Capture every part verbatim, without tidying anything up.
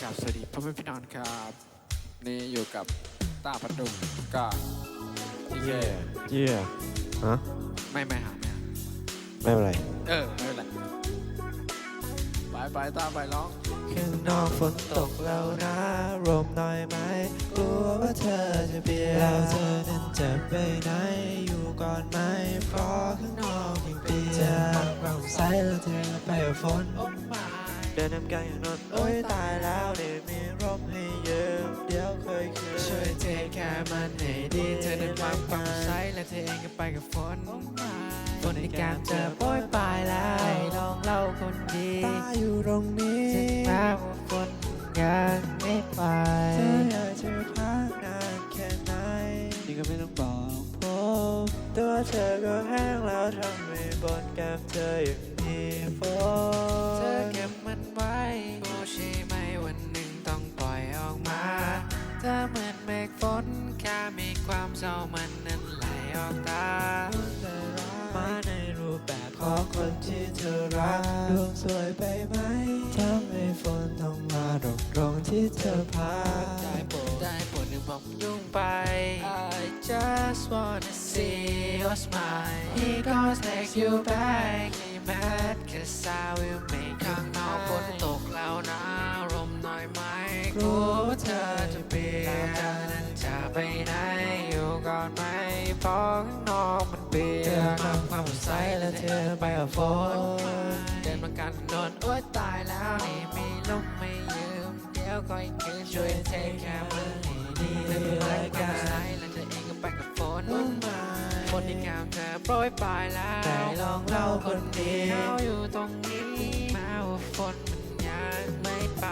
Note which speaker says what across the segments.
Speaker 1: ครับสวัสดีพ่อแม่พี่น้องครับนี่อยู่กับตาพัดดุงก็ทีเค
Speaker 2: เยี่ยฮะ
Speaker 1: ไม่ไม่หาไม่หา
Speaker 2: ไม่เป็นไร
Speaker 1: เออไม่เป็นไรไปไปตาไปร้อง
Speaker 2: ข้างนอกฝนตกแล้วนะลมหน่อยไหมกลัวว่าเธอจะเปียกแล้วเธอนั้นจะไปไหนอยู่ก่อนไหมเพราะข้างนอกยังเปียกจะเราใส่แล้วเธอไปกับฝนเดินนำกันอย่างนนโอ้ยตายแล้วเดี๋ยวมีร่มให้ยืมเดี๋ยวเคยคืนช่วยเทแค่มันให้ดีเธอนั้นความความใสและเธอเองก็ไปกับฝนฝนในการเจอโปรยปลายแล้วลองเล่าคนดีตาอยู่ตรงนี้ถึงแม้ว่าฝนยังไม่ไปเธออยากจะพักนานแค่ไหนนี่ก็ไม่ต้องบอกผมตัวเธอก็แห้งแล้วทำให้บนแก้มเธอยังมีฝนเธอเก็บมันไว้โอ้ใช่ไหมวันหนึ่งต้องปล่อยออกมาเธอเหมือนเมฆฝนแค่มีความเศร้ามันนั้นไหลออกตามาในรูปแบบของคนที่เธอรักดวงสวยไปไหมทำให้ฝนต้องมาตกตรงที่เธอพักได้โปรดได้โปรดหนึ่งบอกยุ่งไป I just wanna see your smile He gonna take you back He mad cause I will make ข้างนอกฝนตกแล้วนะลมหน่อยไหมกลัวว่าเธอจะเปียกเธอนั้นจะไปไหนอยู่ก่อนไหมเพราะข้างนอกมันเปียกเธอทำความสดใสและเธอไปกับฝนเดินมากันนอนโอ๊ยตายแล้วนี่มีลมไม่ยืมเดี๋ยวคอยคืนช่วยเทแค่มือให้ดีเธอเป็นไรกันใสและเธอเองก็ไปกับฝนฝนที่แก้มเธอโปรยปลายแล้วได้ลองเล่าคนดีเขาอยู่ตรงนี้แม้ว่าฝนมันยังไม่ไป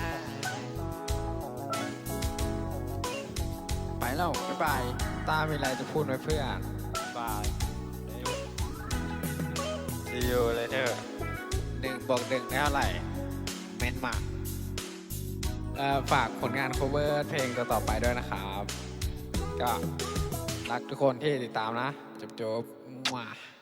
Speaker 1: ไปแล้วบ๊ายบายตามีอะไรจะพูดไหมเพื่อน
Speaker 2: บายซีอูเลยเถอะ
Speaker 1: หนึ่งบวกหนึ่งได้เท่าไหร่เมนมาเอ่อฝากผลงาน cover เพลงต่อๆไปด้วยนะครับก็รักทุกคนที่ติดตามนะจบๆมา